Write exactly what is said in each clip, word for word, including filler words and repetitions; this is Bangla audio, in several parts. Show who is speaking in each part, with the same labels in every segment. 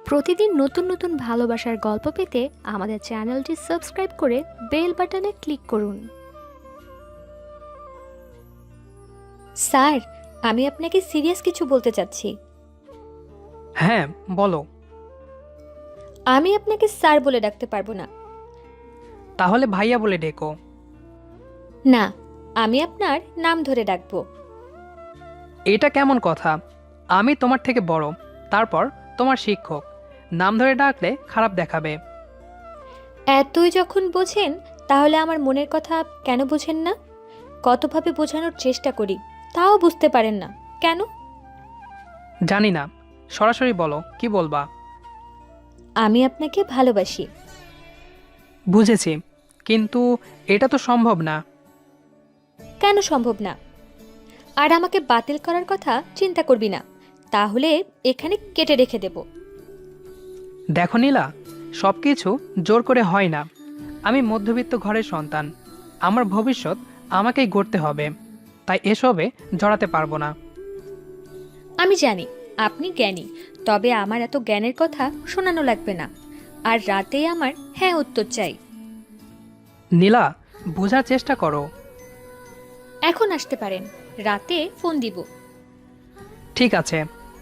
Speaker 1: প্রতিদিন নতুন নতুন ভালোবাসার গল্প পেতে আমাদের চ্যানেলটি সাবস্ক্রাইব করে বেল বাটনে ক্লিক করুন। স্যার, আমি আপনাকে সিরিয়াস কিছু বলতে চাচ্ছি।
Speaker 2: হ্যাঁ, বলো।
Speaker 1: আমি আপনাকে স্যার বলে ডাকতে পারবো না।
Speaker 2: তাহলে ভাইয়া বলে ডেকো।
Speaker 1: না, আমি আপনার নাম ধরে ডাকবো।
Speaker 2: এটা কেমন কথা? আমি তোমার থেকে বড়, তারপর তোমার শিক্ষক। নাম ধরে ডাকলে খারাপ দেখাবে।
Speaker 1: এতই যখন বোঝেন তাহলে আমার মনের কথা কেন বোঝেন না? কতভাবে বোঝানোর চেষ্টা করি, তাও বুঝতে পারেন না কেন?
Speaker 2: জানি না, সরাসরি বলো, কি বলবা?
Speaker 1: আমি আপনাকে ভালোবাসি।
Speaker 2: বুঝেছি, কিন্তু এটা তো সম্ভব না।
Speaker 1: কেন সম্ভব না? আর আমাকে বাতিল করার কথা চিন্তা করবি না, তাহলে এখানে কেটে রেখে দেব।
Speaker 2: দেখো নীলা, সব কিছু জোর করে হয় না। আমি মধ্যবিত্ত ঘরের সন্তান। আমার ভবিষ্যৎ আমাকেই গড়তে হবে, তাই এসবে জড়াতে পারবো না।
Speaker 1: আমি জানি আপনি জ্ঞানী, তবে আমার এত জ্ঞানের কথা শোনানো লাগবে না। আর রাতেই আমার হ্যাঁ উত্তর চাই।
Speaker 2: নীলা, বোঝার চেষ্টা করো।
Speaker 1: এখন আসতে পারেন, রাতে ফোন দিব।
Speaker 2: ঠিক আছে।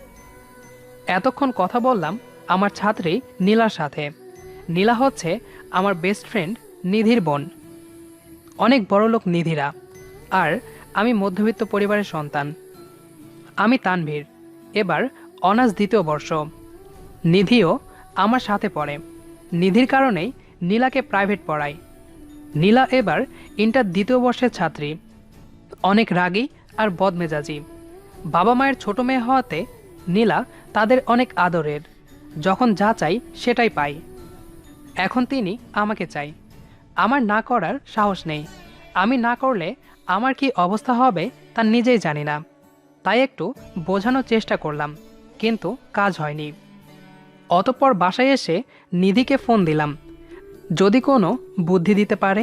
Speaker 2: এতক্ষণ কথা বললাম আমার ছাত্রী নীলার সাথে। নীলা হচ্ছে আমার বেস্ট ফ্রেন্ড নিধির বোন। অনেক বড়লোক নিধিরা, আর আমি মধ্যবিত্ত পরিবারের সন্তান। আমি তানভীর, এবার অনার্স দ্বিতীয় বর্ষ। নিধিও আমার সাথে পড়ে। নিধির কারণেই নীলাকে প্রাইভেট পড়াই। নীলা এবার ইন্টার দ্বিতীয় বর্ষের ছাত্রী। অনেক রাগী আর বদমেজাজি। বাবা মায়ের ছোট মেয়ে হওয়াতে নীলা তাদের অনেক আদরের। যখন যা চাই সেটাই পাই। এখন তিনি আমাকে চাই। আমার না করার সাহস নেই। আমি না করলে আমার কি অবস্থা হবে তা নিজেই জানি না। তাই একটু বোঝানোর চেষ্টা করলাম, কিন্তু কাজ হয়নি। অতঃপর বাসায় এসে নিধিকে ফোন দিলাম, যদি কোনো বুদ্ধি দিতে পারে।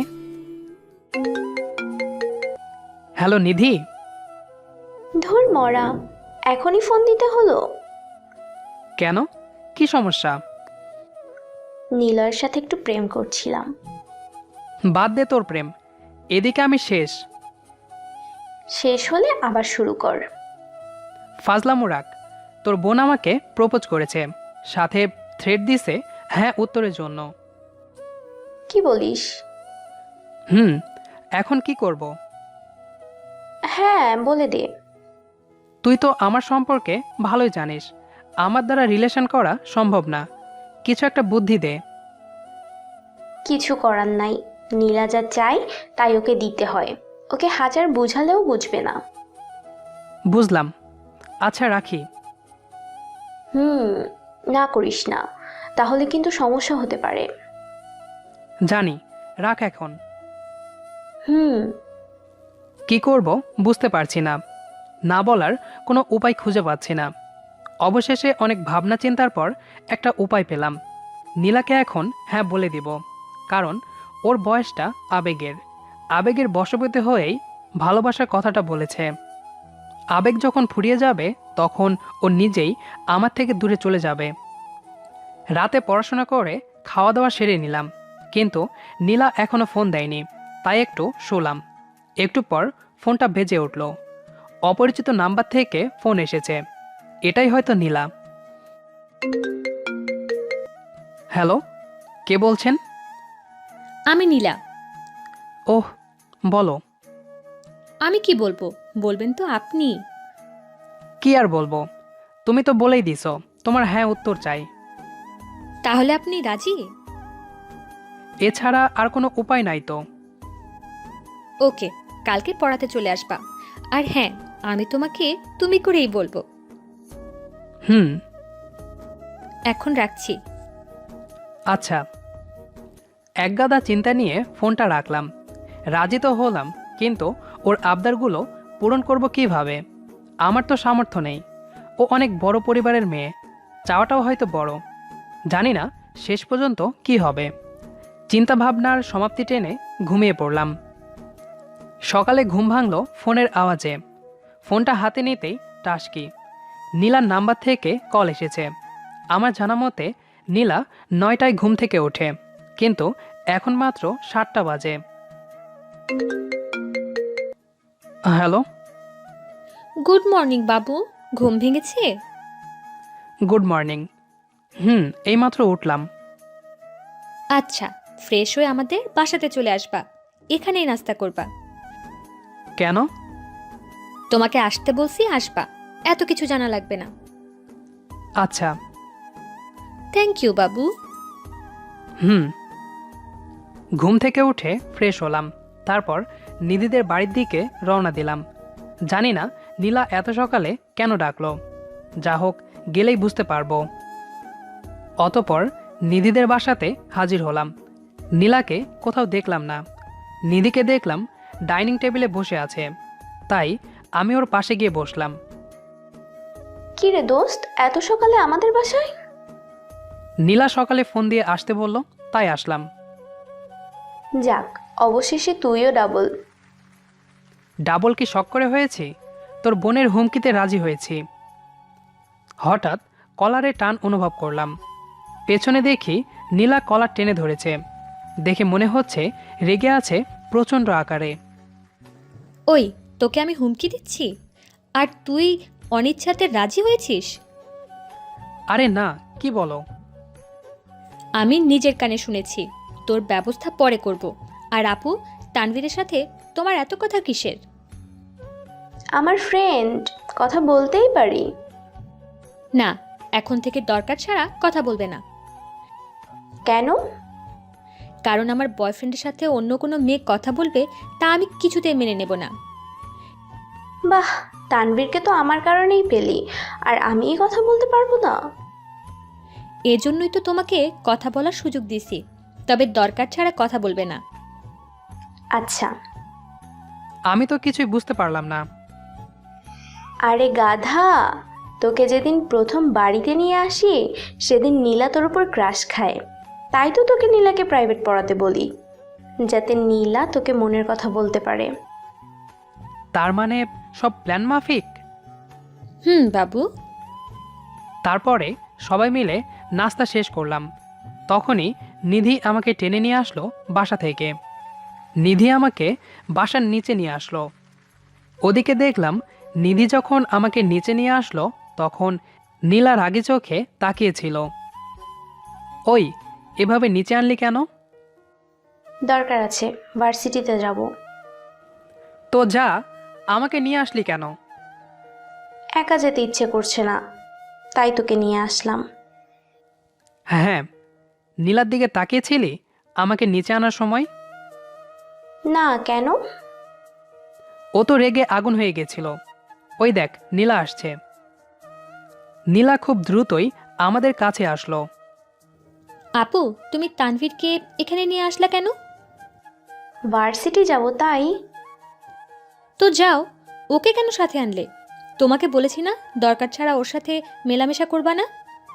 Speaker 2: হ্যালো নিধি।
Speaker 3: ধুর মরা, এখনই ফোন দিতে হলো?
Speaker 2: কেন, কি সমস্যা?
Speaker 3: নীলয়ের সাথে একটু প্রেম করছিলাম।
Speaker 2: বাদ দে তোর প্রেম, এদিকে আমি শেষ।
Speaker 3: শেষ হলে আবার শুরু কর।
Speaker 2: ফাজলামো রাখ। তোর বোন আমাকে প্রপোজ করেছে, সাথে থ্রেড দিছে হ্যাঁ উত্তরের জন্য।
Speaker 3: কি বলিস?
Speaker 2: হুম, এখন কি করব?
Speaker 3: হ্যাঁ, বলে দে।
Speaker 2: তুই তো আমার সম্পর্কে ভালোই জানিস, আমার দ্বারা রিলেশন করা সম্ভব না। কিছু একটা বুদ্ধি দে।
Speaker 3: কিছু করার নাই, নীলা যা চাই তাই ওকে দিতে হয়। ওকে হাজার বুঝালেও বুঝবে না।
Speaker 2: বুঝলাম, আচ্ছা রাখি।
Speaker 3: হুম, না করিস না, তাহলে কিন্তু সমস্যা হতে পারে।
Speaker 2: জানি, রাখ এখন।
Speaker 3: হুম।
Speaker 2: কি করব বুঝতে পারছি না, না বলার কোনো উপায় খুঁজে পাচ্ছি না। অবশেষে অনেক ভাবনা চিন্তার পর একটা উপায় পেলাম। নীলাকে এখন হ্যাঁ বলে দিব, কারণ ওর বয়সটা আবেগের। আবেগের বশবর্তী হয়েই ভালোবাসার কথাটা বলেছে। আবেগ যখন ফুরিয়ে যাবে তখন ও নিজেই আমার থেকে দূরে চলে যাবে। রাতে পড়াশোনা করে খাওয়া দাওয়া সেরে নিলাম, কিন্তু নীলা এখনো ফোন দেয়নি। তাই একটু শুলাম। একটু পর ফোনটা বেজে উঠল। অপরিচিত নাম্বার থেকে ফোন এসেছে। এটাই হয়তো নীলা। হ্যালো, কে বলছেন?
Speaker 1: আমি নীলা।
Speaker 2: ওহ, বলো।
Speaker 1: আমি কি বলবো, বলবেন তো আপনি।
Speaker 2: কি আর বলবো, তুমি তো বলেই দিছো তোমার হ্যাঁ উত্তর চাই।
Speaker 1: তাহলে আপনি রাজি?
Speaker 2: এছাড়া আর কোনো উপায় নাই তো।
Speaker 1: ওকে, কালকে পড়াতে চলে আসবা। আর হ্যাঁ, আমি তোমাকে তুমি করেই বলবো।
Speaker 2: হুম।
Speaker 1: এখন রাখছি।
Speaker 2: আচ্ছা। একগাদা চিন্তা নিয়ে ফোনটা রাখলাম। রাজি তো হলাম, কিন্তু ওর আবদারগুলো পূরণ করব কিভাবে? আমার তো সামর্থ্য নেই। ও অনেক বড় পরিবারের মেয়ে, চাওয়াটাও হয়তো বড়। জানি না শেষ পর্যন্ত কি হবে। চিন্তা ভাবনার সমাপ্তি টেনে ঘুমিয়ে পড়লাম। সকালে ঘুম ভাঙল ফোনের আওয়াজে। ফোনটা হাতে নিতেই টাসকি। নীলার নাম্বার থেকে কল এসেছে। আমার জানা মতে নীলা নয়টায় ঘুম থেকে ওঠে, কিন্তু এখন মাত্র সাতটা বাজে। হ্যালো।
Speaker 1: গুড মর্নিং বাবু, ঘুম ভেঙেছে?
Speaker 2: Good morning. হুম, এইমাত্র উঠলাম।
Speaker 1: আচ্ছা, ফ্রেশ হয়ে আমাদের বাসাতে চলে আসবা, এখানেই নাস্তা করবা।
Speaker 2: কেন?
Speaker 1: তোমাকে আসতে বলছি, আসবা, এত কিছু জানা লাগবে না।
Speaker 2: আচ্ছা।
Speaker 1: থ্যাংক ইউ বাবু।
Speaker 2: হুম। ঘুম থেকে উঠে ফ্রেশ হলাম, তারপর নিধিদের বাড়ির দিকে রওনা দিলাম। জানি না নীলা এত সকালে কেন ডাকলো, যা হোক গেলেই বুঝতে পারবো। অতপর নিধিদের বাসাতে হাজির হলাম। নীলাকে কোথাও দেখলাম না। নিধিকে দেখলাম ডাইনিং টেবিলে বসে আছে, তাই আমি ওর পাশে গিয়ে বসলাম।
Speaker 3: কি রে দোস্ত, এত সকালে আমাদের বাসায়?
Speaker 2: নীলা সকালে ফোন দিয়ে আসতে বলল, তাই আসলাম।
Speaker 3: যাক, অবশেষে তুইও ডাবল।
Speaker 2: ডাবল কি শখ করে হয়েছি? তোর বোনের হুমকিতে রাজি হয়েছি। হঠাৎ কলারে টান অনুভব করলাম। পেছনে দেখি নীলা কলার টেনে ধরেছে। দেখে মনে হচ্ছে রেগে আছে প্রচণ্ড আকারে।
Speaker 1: ওই, তোকে আমি হুমকি দিচ্ছি আর তুই অনিচ্ছাতে রাজি হয়েছিস?
Speaker 2: আরে না, কি বলো?
Speaker 1: আমি নিজের কানে শুনেছি, তোর ব্যবস্থা পরে করব। আর আপু, তানভীরের সাথে তোমার এত কথা কিসের?
Speaker 3: আমার ফ্রেন্ড, কথা বলতেই পারি।
Speaker 1: না, এখন থেকে দরকার ছাড়া কথা বলবে না।
Speaker 3: কেন?
Speaker 1: কারণ আমার বয়ফ্রেন্ডের সাথে অন্য কোনো মেয়ে কথা বলবে, তা আমি কিছুতেই মেনে নেব না।
Speaker 3: বাহ, তানভীরকে তো আমার কারণেই পেলি, আর আমি এই কথা বলতে পারবো না?
Speaker 1: এজন্যই তো তোমাকে কথা বলার সুযোগ দিছি, তবে দরকার ছাড়া কথা বলবে না।
Speaker 3: আচ্ছা।
Speaker 2: আমি তো কিছুই বুঝতে পারলাম না।
Speaker 3: আরে গাধা, তোকে যেদিন প্রথম বাড়িতে নিয়ে আসি সেদিন নীলা তোর উপর ক্রাশ খায়, তাই তো তোকে নীলাকে প্রাইভেট পড়াতে বলি, যাতে নীলা তোকে মনের কথা বলতে পারে।
Speaker 2: তার মানে সব প্ল্যান মাফিক?
Speaker 1: হুম বাবু।
Speaker 2: তারপরে সবাই মিলে নাস্তা শেষ করলাম। তখনই নিধি আমাকে টেনে নিয়ে আসলো বাসা থেকে। নিধি আমাকে বাসার নিচে নিয়ে আসলো। ওদিকে দেখলাম নিধি যখন আমাকে নিচে নিয়ে আসলো তখন নীলা রাগে চোখে তাকিয়েছিল। ওই, এভাবে নিচে আনলি কেন?
Speaker 3: দরকার আছে, ভার্সিটিতে যাব।
Speaker 2: তো যা, আমাকে নিয়ে আসলি কেন?
Speaker 3: একা যেতে ইচ্ছে করছে না, তাই তোকে নিয়ে আসলাম।
Speaker 2: হ্যাঁ, নীলার দিকে তাকিয়েছিলি আমাকে নিচে আনার সময়?
Speaker 3: না, কেন?
Speaker 2: ও তো রেগে আগুন হয়ে গেছিল। ওই দেখ, নীলা আসছে। নীলা খুব দ্রুতই আমাদের কাছে আসলো।
Speaker 1: আপু, তুমি তানভীরকে এখানে নিয়ে আসলা কেন?
Speaker 3: ভার্সিটি যাব তাই।
Speaker 1: তো যাও, ওকে কেন সাথে আনলে? তোমাকে বলেছি না দরকার ছাড়া ওর সাথে মেলামেশা করবা না।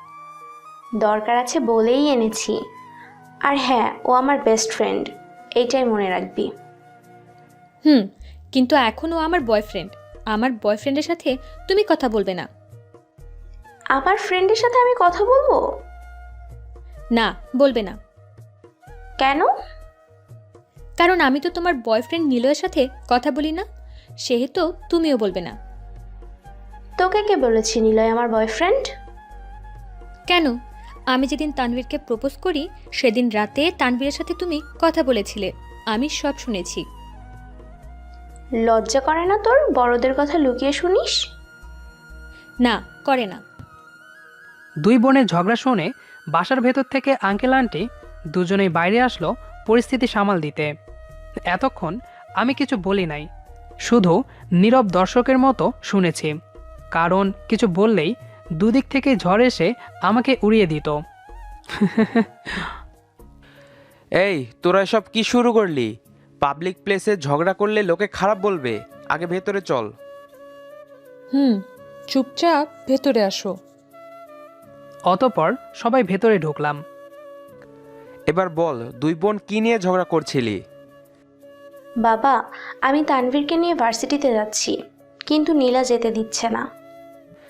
Speaker 3: দরকার আছে বলেই এনেছি। আর হ্যাঁ, ও আমার বেস্ট ফ্রেন্ড, এইটাই মনে রাখবি।
Speaker 1: হুম, কিন্তু এখনও আমার বয়ফ্রেন্ড। আমার বয়ফ্রেন্ডের সাথে তুমি কথা বলবে না।
Speaker 3: আমার ফ্রেন্ডের সাথে আমি কথা বলবো?
Speaker 1: না, বলবে না।
Speaker 3: কেন?
Speaker 1: কারণ আমি তো তোমার বয়ফ্রেন্ড নিলয়ের সাথে কথা বলি না, সেহেতু তুমিও বলবে না।
Speaker 3: তোকে কে বলেছি নিলয় আমার বয়ফ্রেন্ড?
Speaker 1: কেন? আমি যেদিন তানভীরকে প্রপোজ করি সেদিন রাতে তানভীরের সাথে তুমি কথা বলেছিলে, আমি সব শুনেছি।
Speaker 3: লজ্জা করে না তোর বড়দের কথা লুকিয়ে শুনিস?
Speaker 1: না, করে না।
Speaker 2: দুই বোনের ঝগড়া শুনে বাসার ভেতর থেকে আঙ্কেল আন্টি দুজনেই বাইরে আসলো পরিস্থিতি সামাল দিতে। এতক্ষণ আমি কিছু বলি নাই, শুধু নীরব দর্শকের মতো শুনেছি। কারণ কিছু বললেই দুদিক থেকে ঝড় এসে আমাকে উড়িয়ে দিত।
Speaker 4: এই, তোরা এসব কি শুরু করলি? পাবলিক প্লেসে ঝগড়া করলে লোকে খারাপ বলবে, আগে ভেতরে চল।
Speaker 5: হুম, চুপচাপ ভেতরে আসো।
Speaker 2: অতপর সবাই ভেতরে ঢুকলাম।
Speaker 4: এবার বল, দুই বোন কি নিয়ে ঝগড়া করছিলি?
Speaker 3: বাবা, আমি তানভীরকে নিয়ে ভার্সিটিতে যাচ্ছি, কিন্তু নীলা যেতে দিচ্ছে না।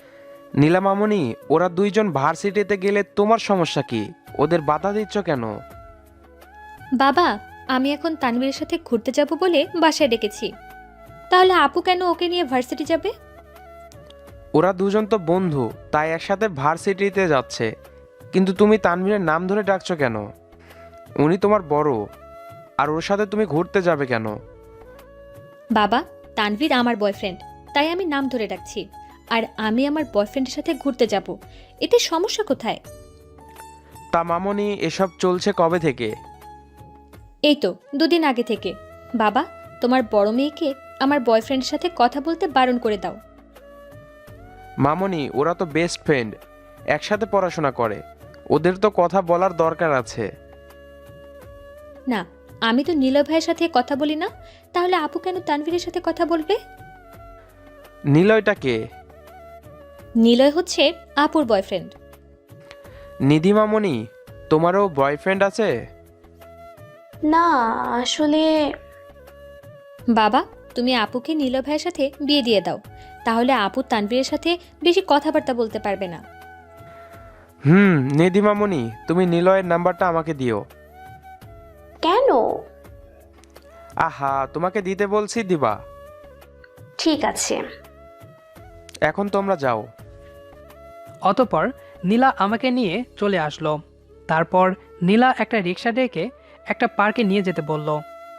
Speaker 4: নীলা মামনি, ওরা দুইজন ভার্সিটিতে গেলে তোমার সমস্যা কি? ওদের বাধা দিচ্ছ কেন?
Speaker 1: বাবা, আমি এখন তানভীরের সাথে ঘুরতে যাব বলে বাসায় ডেকেছি। তাহলে আপু কেন ওকে নিয়ে ভার্সিটি যাবে?
Speaker 4: ওরা দুজন তো বন্ধু, তাই একসাথে ভার্সিটিতে যাচ্ছে। কিন্তু তুমি তানভীরের নাম ধরে ডাকছো কেন? উনি তোমার বড়, আর ওর সাথে তুমি ঘুরতে যাবে কেন?
Speaker 1: বাবা, তানভীর আমার বয়ফ্রেন্ড, তাই আমি নাম ধরে ডাকছি। আর আমি আমার বয়ফ্রেন্ডের সাথে ঘুরতে যাব, এতে সমস্যা কোথায়?
Speaker 4: তা মামনি, এসব চলছে কবে থেকে?
Speaker 1: এই তো দুদিন আগে থেকে। বাবা, তোমার বড় মেয়েকে আমার বয়ফ্রেন্ডের সাথে কথা বলতে বারণ করে দাও।
Speaker 4: মামনি, ওরা তো বেস্ট ফ্রেন্ড, একসাথে পড়াশোনা করে, ওদের তো কথা বলার দরকার আছে।
Speaker 1: না, আমি তো নীলয় ভাইয়ের সাথে কথা বলি না, তাহলে আপু কেন তানভীরের সাথে কথা বলবে?
Speaker 4: নিলয়টা কে?
Speaker 1: নীলয় হচ্ছে আপুর বয়ফ্রেন্ড।
Speaker 4: নিধি মামনি, তোমারও বয়ফ্রেন্ড আছে?
Speaker 3: না, আসলে
Speaker 1: বাবা, তুমি আপুকে নীলয় ভাইয়ের সাথে বিয়ে দিয়ে দাও, তাহলে আপু তানভীরের সাথে বেশি কথাবার্তা বলতে পারবে না।
Speaker 4: হুম, নিধি মামনি, তুমি নিলয়ের নাম্বারটা আমাকে দিও।
Speaker 3: কেন?
Speaker 4: আহা, তোমাকে দিতে বলছি, দিবা।
Speaker 3: ঠিক আছে।
Speaker 4: এখন তোমরা যাও।
Speaker 2: অতপর নীলা আমাকে নিয়ে চলে আসলো। তারপর নীলা একটা রিক্সা ডেকে একটা পার্কে নিয়ে যেতে বলল।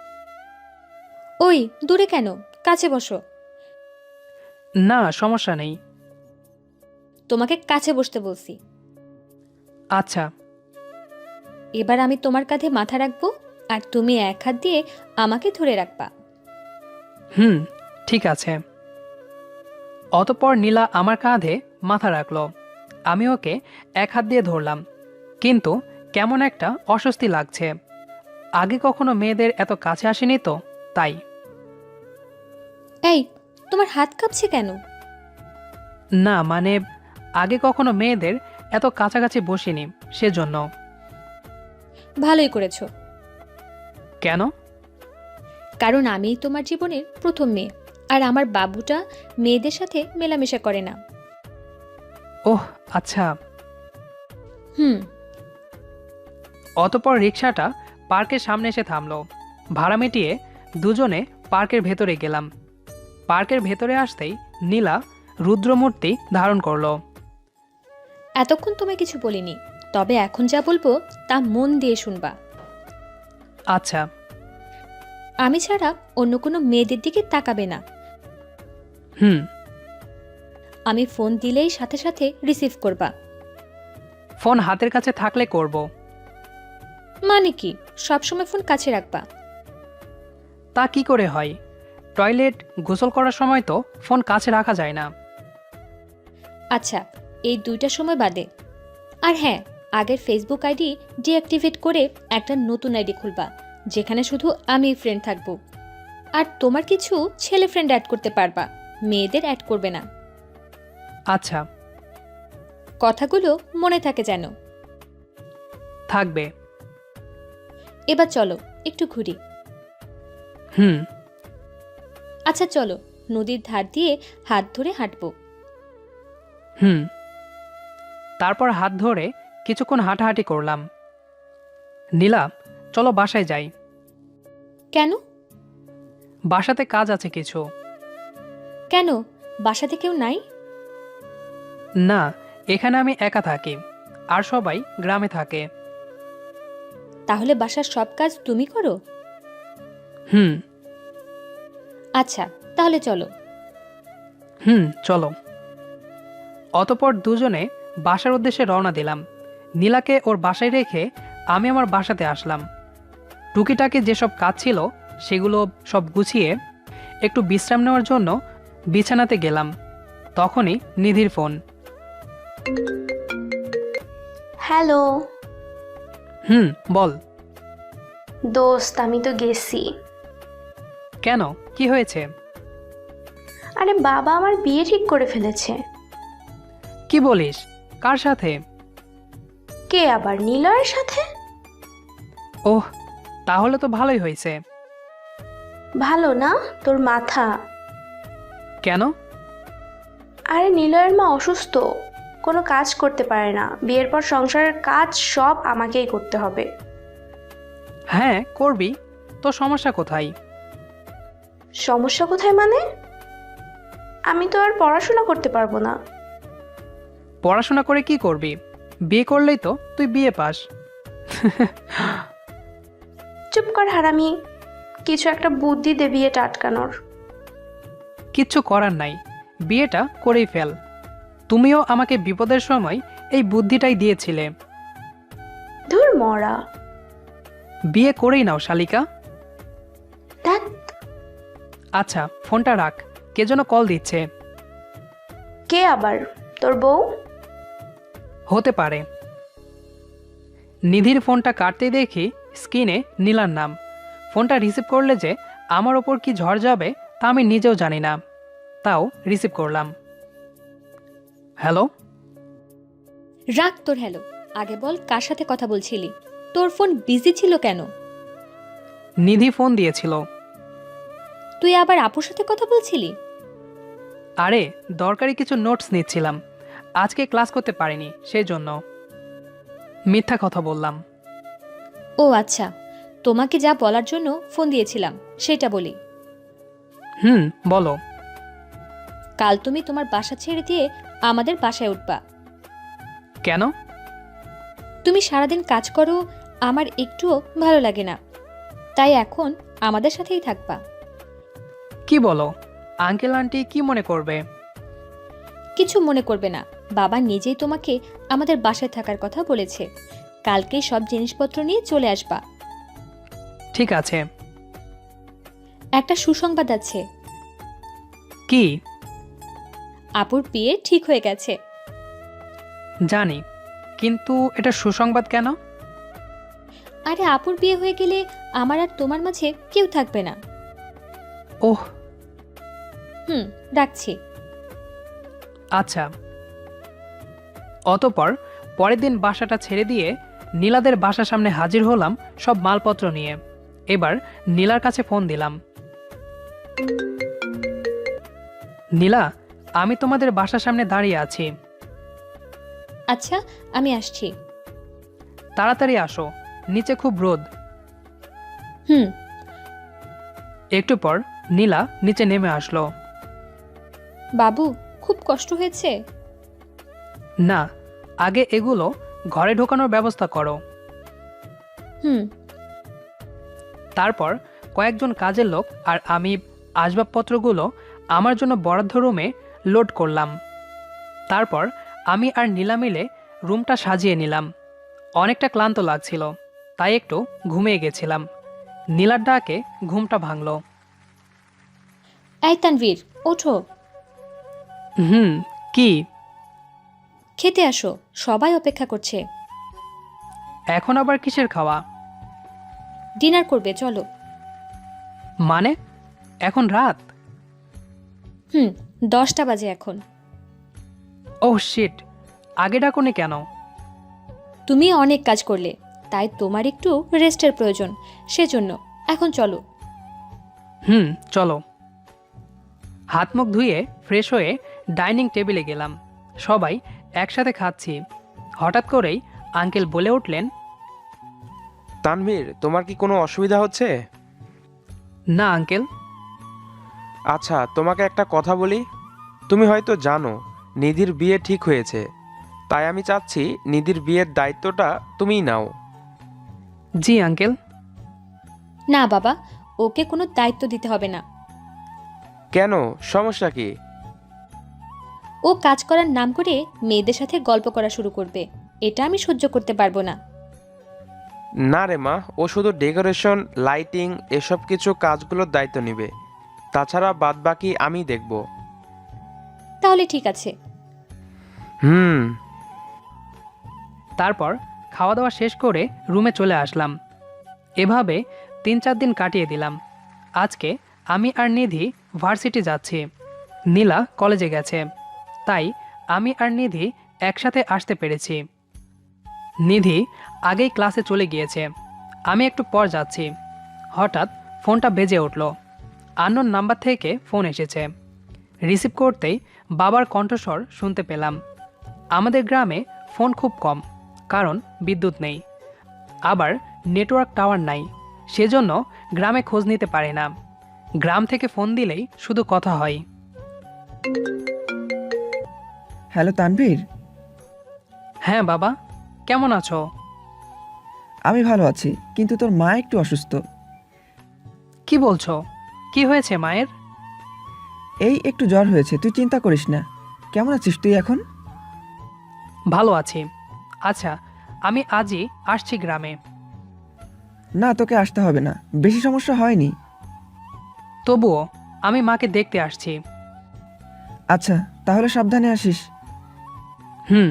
Speaker 1: ওই দূরে কেন, কাছে বসো।
Speaker 2: না, সমস্যা নেই।
Speaker 1: তোমাকে কাছে বসতে বলছি।
Speaker 2: আচ্ছা।
Speaker 1: এবার আমি তোমার কাঁধে মাথা রাখবো, আর তুমি এক হাত দিয়ে আমাকে ধরে রাখবা।
Speaker 2: হুম, ঠিক আছে। অতপর নীলা আমার কাঁধে মাথা রাখলো। আমি ওকে এক হাত দিয়ে ধরলাম, কিন্তু কেমন একটা অস্বস্তি লাগছে। আগে কখনো মেয়েদের এত কাছে আসেনি তো, তাই।
Speaker 1: এই, তোমার হাত কাঁপছে কেন?
Speaker 2: না মানে, আগে কখনো মেয়েদের এত কাছাকাছি বসিনি, সেজন্য।
Speaker 1: ভালোই করেছো।
Speaker 2: কেন?
Speaker 1: কারণ আমিই তোমার জীবনের প্রথম মেয়ে, আর আমার বাবুটা মেয়েদের সাথে মেলামেশা করে না।
Speaker 2: ওহ আচ্ছা।
Speaker 1: হুম।
Speaker 2: অতপর রিক্সাটা পার্কের সামনে এসে থামলো। ভাড়া মিটিয়ে দুজনে পার্কের ভেতরে গেলাম। পার্কের ভেতরে আসতেই নীলা রুদ্রমূর্তি ধারণ করলো।
Speaker 1: এতক্ষণ তোমায় কিছু বলিনি, তবে এখন যা বলবো তা মন দিয়ে শুনবা।
Speaker 2: আচ্ছা।
Speaker 1: আমি ছাড়া অন্য কোনো মেয়েদের দিকে তাকাবে না।
Speaker 2: হুম।
Speaker 1: আমি ফোন দিলেই সাথে সাথে রিসিভ করবা।
Speaker 2: ফোন হাতের কাছে থাকলে করব।
Speaker 1: মানে কি, সবসময় ফোন কাছে রাখবা?
Speaker 2: তা কি করে হয়? টয়লেট, গোসল করার সময় তো ফোন কাছে রাখা যায় না।
Speaker 1: আচ্ছা, এই দুইটা সময় বাদে। আর হ্যাঁ, আগের ফেসবুক আইডি ডিঅ্যাক্টিভেট করে একটা নতুন আইডি খুলবা, যেখানে শুধু আমি ফ্রেন্ড থাকবো। আর তোমার কিছু ছেলে ফ্রেন্ড অ্যাড করতে পারবা, মেয়েদের অ্যাড করবে না।
Speaker 2: আচ্ছা।
Speaker 1: কথাগুলো মনে থাকে যেন।
Speaker 2: থাকবে।
Speaker 1: এবার চলো একটু ঘুরি।
Speaker 2: হুম।
Speaker 1: আচ্ছা চলো, নদীর ধার দিয়ে হাত ধরে হাঁটবো।
Speaker 2: হুম। তারপর হাত ধরে কিছুক্ষণ হাঁটাহাঁটি করলাম। নীলা, চলো বাসায় যাই।
Speaker 1: কেন?
Speaker 2: বাসাতে কাজ আছে কিছু।
Speaker 1: কেন, বাসাতে কেউ নাই?
Speaker 2: না, এখানে আমি একা থাকি, আর সবাই গ্রামে থাকে।
Speaker 1: তাহলে বাসার সব কাজ তুমি করো?
Speaker 2: হুম।
Speaker 1: আচ্ছা, তাহলে চলো।
Speaker 2: হুম, চলো। অতপর দুজনে বাসার উদ্দেশ্যে রওনা দিলাম। নীলাকে ওর বাসায় রেখে আমি আমার বাসাতে আসলাম। টুকিটাকি যেসব কাজ ছিল সেগুলো সব গুছিয়ে একটু বিশ্রাম নেওয়ার জন্য বিছানাতে গেলাম। তখনই নিধির ফোন।
Speaker 3: হ্যালো
Speaker 2: হুম, বল।
Speaker 3: দোস্ত, আমি তো গেছি।
Speaker 2: কেন, কি হয়েছে?
Speaker 3: আরে বাবা আমার বিয়ে ঠিক করে ফেলেছে।
Speaker 2: কি বলিস? কার সাথে?
Speaker 3: কে আবার? নিলয়ের সাথে।
Speaker 2: ওহ, তাহলে তো ভালোই হয়েছে।
Speaker 3: ভালো না? তোর মাথা।
Speaker 2: কেন?
Speaker 3: আরে নিলয়ের মা অসুস্থ, কোনো কাজ করতে পারে না। বিয়ের পর সংসারের কাজ সব আমাকেই করতে হবে।
Speaker 2: হ্যাঁ করবি, তো সমস্যা কোথায়?
Speaker 3: সমস্যা কোথায় মানে? আমি তো আর পড়াশোনা করতে পারবো না।
Speaker 2: পড়াশোনা করে কি করবি? বিয়ে করলেই তো তুই বিয়ে পাস।
Speaker 3: চুপ কর হারামি, কিছু একটা বুদ্ধি দে বিয়েটা আটকানোর।
Speaker 2: কিচ্ছু করার নাই, বিয়েটা করেই ফেল। তুমিও আমাকে বিপদের সময় এই বুদ্ধিটাই দিয়েছিলে।
Speaker 3: ধুর মরা।
Speaker 2: বিয়ে করেই নাও শালিকা।
Speaker 3: ধ্যাৎ,
Speaker 2: আচ্ছা ফোনটা রাখ, কে যেন কল দিচ্ছে।
Speaker 3: কে আবার? তোর বউ?
Speaker 2: হতে পারে। নিধির ফোনটা কাটতেই দেখি স্ক্রিনে নীলার নাম। ফোনটা রিসিভ করলে যে আমার ওপর কি ঝড় যাবে তা আমি নিজেও জানি না, তাও রিসিভ করলাম। হ্যালো।
Speaker 1: রাখ তোর হ্যালো, আগে বল কার সাথে কথা বলছিলি? তোর ফোন বিজি ছিল কেন?
Speaker 2: নিধি ফোন দিয়েছিল।
Speaker 1: তুই আবার আপুর সাথে কথা বলছিলি?
Speaker 2: আরে দরকারি কিছু নোটস নিচ্ছিলাম, আজকে ক্লাস করতে পারিনি সেই জন্য। মিথ্যা কথা বললাম।
Speaker 1: ও আচ্ছা, তোমাকে যা বলার জন্য ফোন দিয়েছিলাম সেটা বলি।
Speaker 2: হুম বলো।
Speaker 1: কাল তুমি তোমার বাসা ছেড়ে দিয়ে আমাদের বাসায় উঠবা।
Speaker 2: কেন?
Speaker 1: তুমি সারাদিন কাজ করো, আমার একটুও ভালো লাগে না, তাই এখন আমাদের সাথেই থাকবা।
Speaker 2: কি বলো? আঙ্কেল আন্টি কি মনে করবে?
Speaker 1: কিছু মনে করবে না, বাবা নিজেই তোমাকে আমাদের বাসায় থাকার কথা বলেছে। কালকেই সব জিনিসপত্র নিয়ে চলে আসবা।
Speaker 2: ঠিক আছে।
Speaker 1: একটা সুসংবাদ আছে,
Speaker 2: কি?
Speaker 1: আপুর বিয়ে ঠিক হয়ে গেছে।
Speaker 2: জানি, কিন্তু এটা সুসংবাদ কেন?
Speaker 1: আরে আপুর বিয়ে হয়ে গেলে আমার আর তোমার মাঝে কেউ থাকবে না।
Speaker 2: ওহ
Speaker 1: হুম, রাখছি।
Speaker 2: আচ্ছা। অতঃপর পরের দিন বাসাটা ছেড়ে দিয়ে নীলাদের বাসার সামনে হাজির হলাম সব মালপত্র নিয়ে। এবার নীলার কাছে ফোন দিলাম। নীলা, আমি তোমাদের বাসার সামনে দাঁড়িয়ে আছি।
Speaker 1: আচ্ছা, আমি আসছি।
Speaker 2: তাড়াতাড়ি আসো, নিচে খুব রোদ।
Speaker 1: হুম।
Speaker 2: একটু পর নীলা নিচে নেমে আসলো।
Speaker 1: বাবু, খুব কষ্ট হয়েছে?
Speaker 2: না, আগে এগুলো ঘরে ঢোকানোর ব্যবস্থা করো।
Speaker 1: হুম।
Speaker 2: তারপর কয়েকজন কাজের লোক আর আমি আসবাবপত্রগুলো আমার জন্য বরাদ্দ রুমে লোড করলাম। তারপর আমি আর নীলা মিলে রুমটা সাজিয়ে নিলাম। অনেকটা ক্লান্ত লাগছিল, তাই একটু ঘুমিয়ে গেছিলাম। নীলার ডাকে ঘুমটা ভাঙল।
Speaker 1: এই তানভীর, ওঠো।
Speaker 2: হুম, কি?
Speaker 1: খেতে আসো, সবাই অপেক্ষা করছে।
Speaker 2: এখন আবার কিসের খাওয়া?
Speaker 1: ডিনার করবে, চলো।
Speaker 2: মানে এখন রাত?
Speaker 1: হুম, দশটা বাজে এখন।
Speaker 2: ওহ শিট, আগে ডাকুনি কেন?
Speaker 1: তুমি অনেক কাজ করলে, তাই তোমার একটু রেস্টের প্রয়োজন, সেজন্য। এখন চলো।
Speaker 2: হুম চলো। হাত মুখ ধুয়ে ফ্রেশ হয়ে ডাইনিং টেবিলে গেলাম। সবাই একসাথে খাচ্ছি। হঠাৎ করেই আঙ্কেল বলে উঠলেন,
Speaker 4: তানভীর, তোমার কি কোনো অসুবিধা হচ্ছে?
Speaker 2: না আঙ্কেল।
Speaker 4: আচ্ছা, তোমাকে একটা কথা বলি। তুমি হয়তো জানো নিধির বিয়ে ঠিক হয়েছে, তাই আমি চাচ্ছি নিধির বিয়ের দায়িত্বটা তুমিই নাও।
Speaker 2: জি আঙ্কেল।
Speaker 1: না বাবা, ওকে কোনো দায়িত্ব দিতে হবে না।
Speaker 4: কেন, সমস্যা কি?
Speaker 1: ও কাজ করার নাম করে মেয়েদের সাথে গল্প করা শুরু করবে, এটা আমি সহ্য করতে পারবো না।
Speaker 4: না রে মা, ও শুধু ডেকোরেশন, লাইটিং এসব কিছু কাজগুলোর দায়িত্ব নেবে। তাছাড়া বাদ বাকি আমি দেখব।
Speaker 1: তাহলে ঠিক আছে।
Speaker 4: হুম।
Speaker 2: তারপর খাওয়া দাওয়া শেষ করে রুমে চলে আসলাম। এভাবে তিন চার দিন কাটিয়ে দিলাম। আজকে আমি আর নিধি ভার্সিটি যাচ্ছি। নীলা কলেজে গেছে, তাই আমি আর নিধি একসাথে আসতে পেরেছি। নিধি আগেই ক্লাসে চলে গিয়েছে। আমি একটু পর যাচ্ছি। হঠাৎ ফোনটা বেজে উঠল। আননোন নাম্বার থেকে ফোন এসেছে। রিসিভ করতেই বাবার কণ্ঠস্বর শুনতে পেলাম। আমাদের গ্রামে ফোন খুব কম, কারণ বিদ্যুৎ নেই, আবার নেটওয়ার্ক টাওয়ার নাই, সেজন্য গ্রামে খোঁজ নিতে পারে না। গ্রাম থেকে ফোন দিলেই শুধু কথা হয়।
Speaker 6: হ্যালো তানভীর।
Speaker 2: হ্যাঁ বাবা, কেমন আছো?
Speaker 6: আমি ভালো আছি, কিন্তু তোর মা একটু অসুস্থ।
Speaker 2: কি বলছো? কি হয়েছে মায়ের?
Speaker 6: এই একটু জ্বর হয়েছে, তুই চিন্তা করিস না। কেমন আছিস তুই এখন?
Speaker 2: ভালো আছি। আচ্ছা, আমি আজই আসছি গ্রামে।
Speaker 6: না, তোকে আসতে হবে না, বেশি সমস্যা হয়নি।
Speaker 2: তবুও আমি মাকে দেখতে আসছি।
Speaker 6: আচ্ছা, তাহলে সাবধানে আসিস।
Speaker 2: হুম।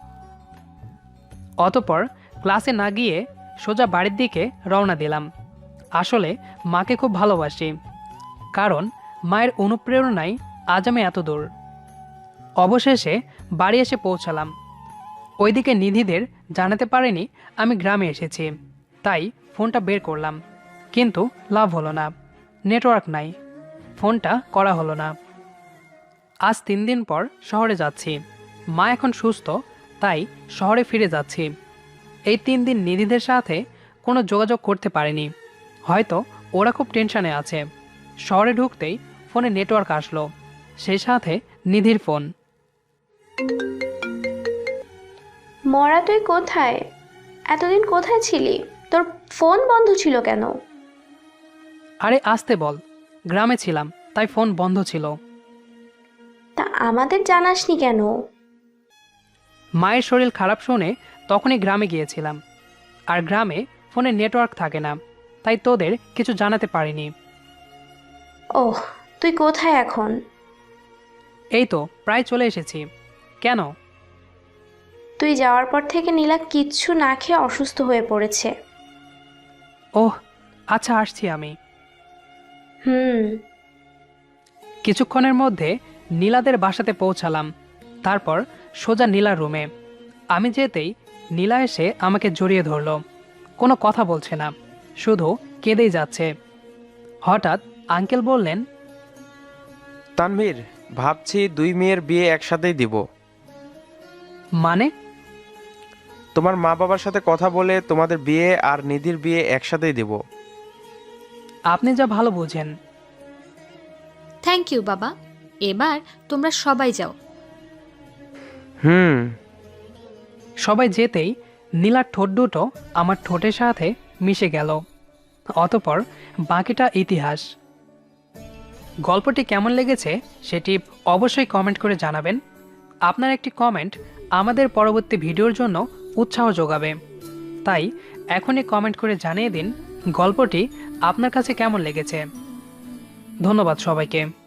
Speaker 2: অতপর ক্লাসে না গিয়ে সোজা বাড়ির দিকে রওনা দিলাম। আসলে মাকে খুব ভালোবাসি, কারণ মায়ের অনুপ্রেরণায় আজ আমি এত দূর। অবশেষে বাড়ি এসে পৌঁছালাম। ওইদিকে নিধিদের জানাতে পারিনি আমি গ্রামে এসেছি, তাই ফোনটা বের করলাম, কিন্তু লাভ হলো না, নেটওয়ার্ক নাই, ফোনটা করা হলো না। আজ তিন দিন পর শহরে যাচ্ছি। মা এখন সুস্থ, তাই শহরে ফিরে যাচ্ছি। এই তিন দিন নিধিদের সাথে কোনো যোগাযোগ করতে পারিনি, হয়তো ওরা খুব টেনশনে আছে। শহরে ঢুকতেই ফোনে নেটওয়ার্ক আসলো, সেই সাথে নিধির ফোন।
Speaker 3: মরা তুই কোথায়? এতদিন কোথায় ছিলি? তোর ফোন বন্ধ ছিল কেন?
Speaker 2: আরে আসতে বল, গ্রামে ছিলাম তাই ফোন বন্ধ ছিল।
Speaker 3: তা আমাদের জানাসনি কেন?
Speaker 2: মায়ের শরীর খারাপ শুনে তখনই গ্রামে গিয়েছিলাম, আর গ্রামে ফোনে নেটওয়ার্ক থাকে না, তাই তোদের কিছু জানাতে পারিনি।
Speaker 3: ওহ, তুই কোথায় এখন?
Speaker 2: এই তো প্রায় চলে এসেছি। কেন?
Speaker 3: তুই যাওয়ার পর থেকে নীলা কিচ্ছু না খেয়ে অসুস্থ হয়ে পড়েছে।
Speaker 2: ওহ আচ্ছা, আসছি আমি।
Speaker 3: হুম।
Speaker 2: কিছুক্ষণের মধ্যে নীলাদের বাসাতে পৌঁছালাম, তারপর সোজা নীলার রুমে। আমি যেতেই নীলা এসে আমাকে জড়িয়ে ধরল। কোনো কথা বলছে না, শুধু কেঁদেই যাচ্ছে। হঠাৎ আঙ্কেল বললেন,
Speaker 4: তানভীর, ভাবছি দুই মেয়ের বিয়ে একসাথেই দিব।
Speaker 2: মানে?
Speaker 4: তোমার মা বাবার সাথে কথা বলে তোমাদের বিয়ে আর নিধির বিয়ে একসাথেই দিব।
Speaker 2: আপনি যা ভালো বোঝেন।
Speaker 1: থ্যাংক ইউ বাবা, এবার তোমরা সবাই যাও।
Speaker 4: হুম।
Speaker 2: সবাই যেতেই নীলার ঠোঁট দুটো আমার ঠোঁটের সাথে মিশে গেল। অতপর বাকিটা ইতিহাস। গল্পটি কেমন লেগেছে সেটি অবশ্যই কমেন্ট করে জানাবেন। আপনার একটি কমেন্ট আমাদের পরবর্তী ভিডিওর জন্য উৎসাহ যোগাবে, তাই এখনই কমেন্ট করে জানিয়ে দিন গল্পটি আপনার কাছে কেমন লেগেছে। ধন্যবাদ সবাইকে।